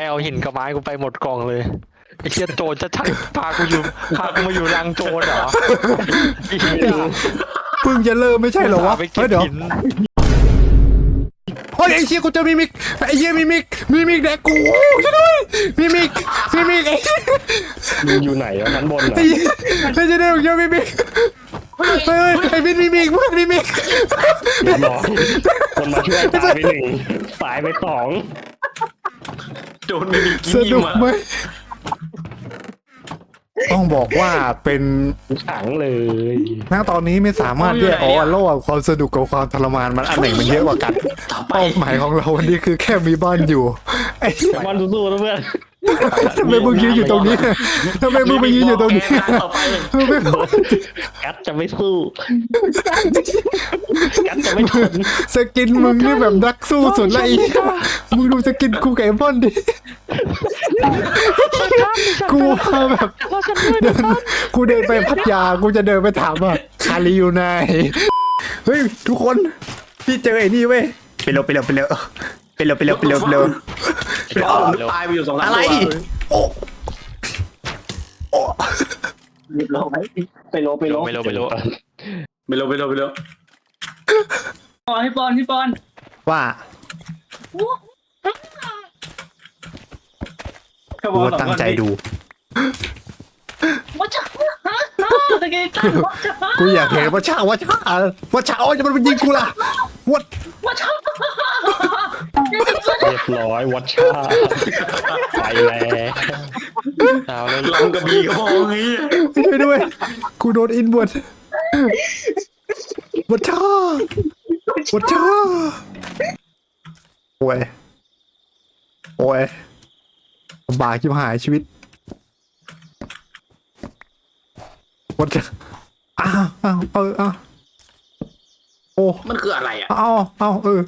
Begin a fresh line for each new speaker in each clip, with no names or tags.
เอาหินกับไม้กูไปหมดกล่องเลยไอ้เชี่ยโจรจะชักพากูมาอยู่รังโจรเหรอไอ้เหี้ย
เพิ่งจะเริ่มไม่ใช่เหรอวะ
ไป
เฮ้
เก็
ย
บ
เดี๋ยว
หิน
โอ้ยไอ้เชี่ยกูเจอมิมิกไอ้เหี้ยมิมิกแดกกูช่วยด้วยมิมิกไอ้
มึงอยู่ไหนวะชั้นบนเหรอ
ไอ้ไม่ใช่เรื่องเยอะมิมิกเฮ้ยไอ้มิมิกเพื่อนมิมิก
เรียบร้อยคนมาช่วยตายไปหนึ่งตายไปสอง
โดนไม่มี
ส
กิน
นุก
มา
ไหมต้องบอกว่าเป็น
ขังเลย
ณตอนนี้ไม่สามารถแยกออกว่าระหว่างความสนุกกับความทรมานมันอันไหนมันเยอะกว่ากัน
ต่อไป
เป้าหมายของเราวันนี้คือแค่มีบ้านอยู่ไอ้
บอลสู้ๆนะเพื่อน
ทำไมมึงยืนอยู่ตรงนี้ทำไมมึงไปยืนอยู่ตรงนี้
ต่อไป
มึงไม่พอ
กัดจะไม่สู้กัดจะไม่ทน
สกินมึงนี่แบบนักสู้สุดละอีมึงดูสกินกูกับไอ้บอนดิกูว่าแบบเดินกูเดินไปพัทยากูจะเดินไปถามว่าคาริอยู่ไหนเฮ้ยทุกคนพี่เจอไอ้นี่เว้ยไปเร็ว
ตายไปอยู่2-3
อะไร
ตัว
โอ้โอ้
เรียบร้อย
ไปโล
ไม่รู้
ไปเร็วพี่ปอน
ว่า
เขาบ
กู
อก
ตั้งใจดู
ว่าจะตะกี้ตั้งว่าจะ
กูอยากเห็นว่าช่าอ๋อจะมันยิงกูล่ะวัด
ว่าจะ
เรียบร้อยวัชชาไปแล้ว
เอาเลย
ลำกระบี่ก็พอไง
ช่วยด้วยกูโดนอินบวดวัดช่าโอ้ยลำบากชิบหายชีวิตวัดช่าอ้าวโอ้
มันคืออะไรอ่ะ
เอาเอา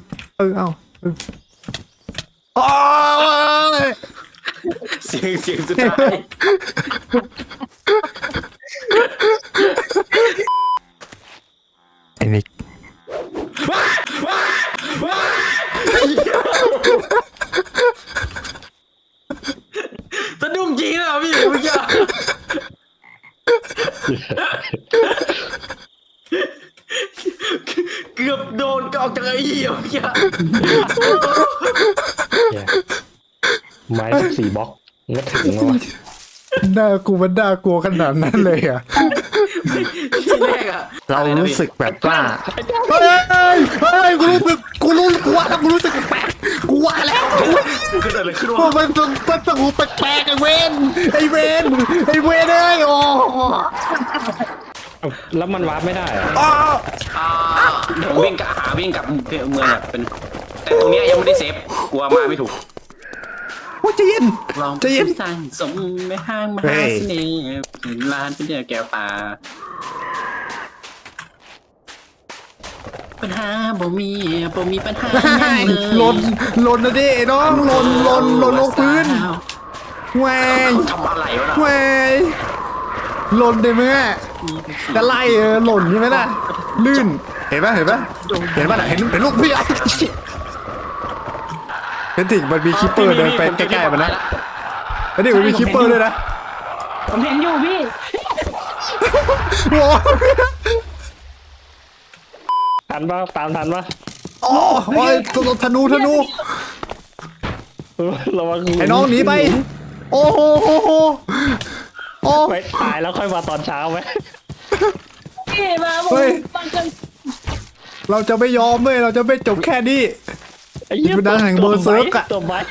โอ้ย
เสียงสุดท้าย
ไอ้นิก
สะดุ้งจริงนะพี่เมื่อกี้เกือบโดนกอกจากไอ้เหี้ยเมื่อกี้
ไม้14 บล็อกก็ถึงแล้ววะ
น่ากลัวขนาดนั้นเลยอ่ะ
ที่แรกอ่ะ
เรารู้สึกแบบว่าเฮ้ยกูรู้สึกแปลกกูว่าแล้ว
เกิดอะไรขึ้นวะ
ว่ามันต้องแปลกไอ้เวนเอ้ยโอ้
แล้วมันวาร์ปไม่ได้อะ
เดี๋ยววิ่งกับเมืองอ่ะเป็นแต่ตรงเนี้ยยังไม่ได้เซฟกลัวมาไม่ถูก
ว่าจะเย็น
ลองสั่งสมในห้างมหาเสน่ห์เป็นร้านเป็นเดียวแก้วตาปัญหาบ่มีปัญหาเลย
หล่นนะดิน้องหล่นลงพื้นแหวง
ทำอะไรวะ
แหวงหล่นได้ไหมจะไล่หล่นใช่ไหมล่ะลื่นเห็นป่ะน่ะเห็นลูกพี่อ่ะเห็นถึงมันมีคิปเปอร์เดินไปใกล้ๆมันนะแล้วนี่มันมีคิปเปอร์ด้วยนะ
ผมเห็นอยู่พี่
โอ้
ทันปะตามทันปะ
โอ้ยธนู
ระวัง
ไอ้น้องหนีไปโอ้โหโอ้
ไปตายแล้วค่อยมาตอนเช้าไหม
พี่มาผมฟังกัน
เราจะไม่ยอมเว้ยเราจะไม่จบแค่นี้
ไอ้เหี้ย
เป็นดังแห่งเบอร์เซิร์กอะ
ตัวไม้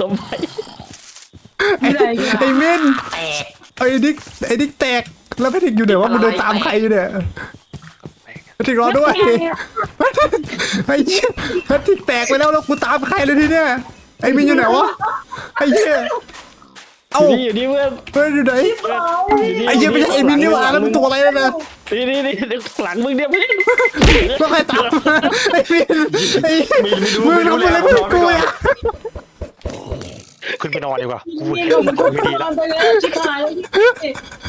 ไอ้เม่นไอ้ดิ๊กแตกแล้วแพทริกอยู่ไหนวะมึงเดินตามใครอยู่เนี่ยแพทริกรอด้วยไอ้เชี่ยแพทริกแตกไปแล้วกูตามใครเลยทีเนี้ยไอ้มินอยู่ไหนวะไอ้เชี่ยเอ้า
อยู่นี่เพื่อน
เฮ้ยอยู่ไหนไอ้เชี่ยไม่ใช่ไอ้มินนี่หว่าแล้วมันตัวอะไรแล้วนะ
นี่หลังมึงเนี่ยพี่
ต้องใครตามไอ้มินไอ้มึงทำอะไรเพื่อนกูอ่ะ
ขึ้นไปนอนดีกว่ากู
พี่
เห็น
ผม
มัน
ก็
ไม่ดี
น
แล้
อ
วน
ไปแล้วชิบหายแล้วพี่